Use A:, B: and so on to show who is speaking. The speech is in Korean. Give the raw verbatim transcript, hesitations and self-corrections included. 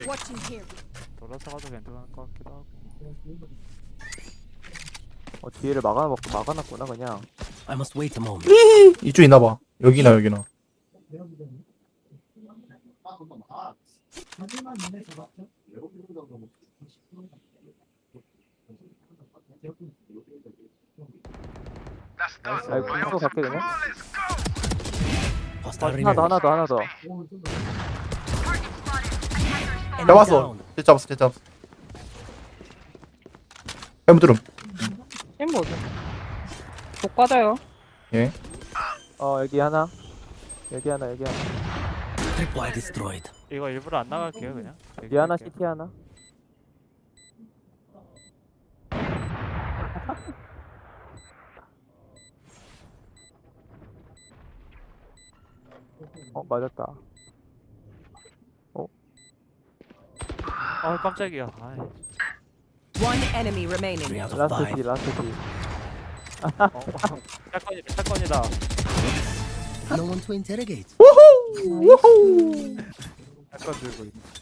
A: Watching here.
B: 돌아서 가도 괜찮을 것 같기도 하고.
C: 어 뒤에를 막아 막아놨구나 그냥.
D: I must wait a moment.
E: 이쪽 있나봐. 여기나 여기나.
C: 아 이거 공수 갈게 그냥.
D: Hostile
C: 하나 더
D: remaining.
C: 하나 더 하나 더.
D: Enemy
E: 잡았어.
D: down.
E: 쟤 잡았어. 쟤 잡았어. 해무 드럼.
F: 엠 뭐죠? 복 받아요.
E: 예.
C: 어 여기 하나. 여기 하나 여기 하나.
D: Tripwire destroyed.
B: 이거 일부러 안 나갈게요 그냥.
C: 여기 하나 시티 하나. 어 맞았다.
B: 아 깜짝이야. 아이.
A: One enemy remaining.
D: Three out of
C: 라스트
D: five.
C: 시 라스트 시.
B: 어, 사건이다 사건이다.
D: No one to interrogate.
B: 사건 들고 있네.